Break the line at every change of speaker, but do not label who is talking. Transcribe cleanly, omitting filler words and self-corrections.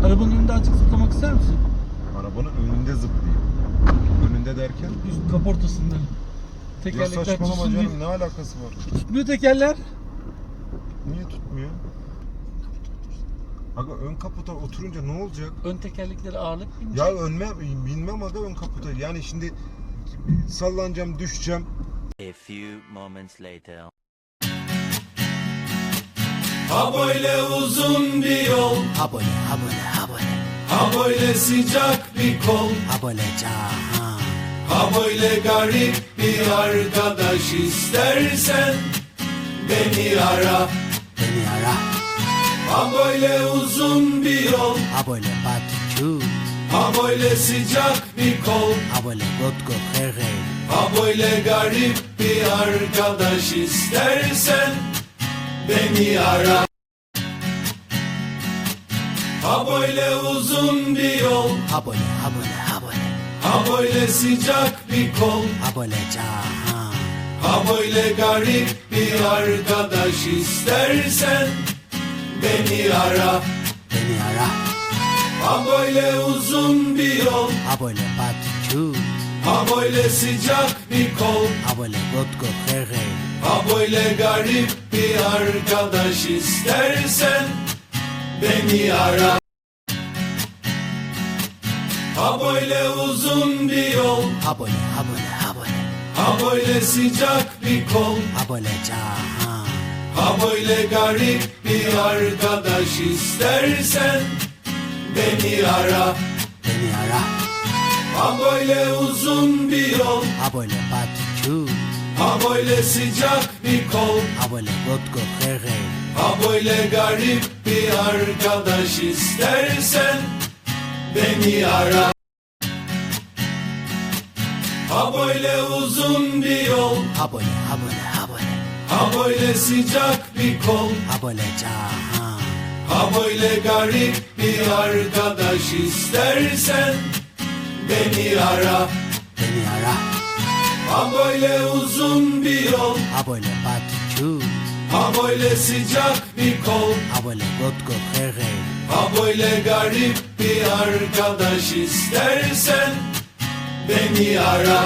Arabanın önünde açık zıplamak ister misin?
Arabanın önünde zıplayayım. Önünde derken?
Üst kaportasında.
Ya
Tekerlekler
saçmalama
tutsun diye.
canım, ne alakası var?
Tutmuyor tekerler.
Niye tutmuyor? Aga ön kaputa oturunca ne olacak?
Ön tekerlekleri ağırlık binecek.
Ya binmem aga ön kaputa. Yani şimdi sallanacağım, düşeceğim.
A few moments later.
Ha böyle uzun bir yol,
Ha böyle, ha böyle, ha böyle,
ha böyle sıcak bir kol,
ha böyle cahan.
ha böyle garip bir arkadaş istersen beni ara.
Beni ara,
Ha böyle uzun bir yol,
ha böyle patikut,
ha böyle sıcak bir kol,
ha böyle got got hey hey.
ha böyle garip bir arkadaş istersen beni ara. Ha böyle uzun bir yol,
Ha böyle, ha böyle, ha böyle,
ha böyle sıcak bir kol,
ha böyle cahan.
ha böyle garip bir arkadaş istersen beni ara.
Beni ara,
Ha böyle uzun bir yol,
ha böyle patikut,
ha böyle sıcak bir kol,
ha böyle got got hey hey.
ha böyle garip bir arkadaş istersen beni ara. Ha böyle uzun bir yol,
Ha böyle, ha böyle, ha böyle,
ha böyle sıcak bir kol,
ha böyle cahan.
ha böyle garip bir arkadaş istersen beni ara.
Beni ara,
Ha böyle uzun bir yol,
ha böyle patikut,
ha böyle sıcak bir kol,
ha böyle got got hey hey.
ha böyle garip bir arkadaş istersen beni ara. Ha böyle uzun bir yol,
Ha böyle, ha böyle, ha böyle,
ha böyle sıcak bir kol,
ha böyle cahan.
ha böyle garip bir arkadaş istersen beni ara.
Beni ara,
Ha böyle uzun bir yol,
ha böyle patikut,
ha böyle sıcak bir kol,
ha böyle got got hey hey.
ha böyle garip bir arkadaş istersen beni ara.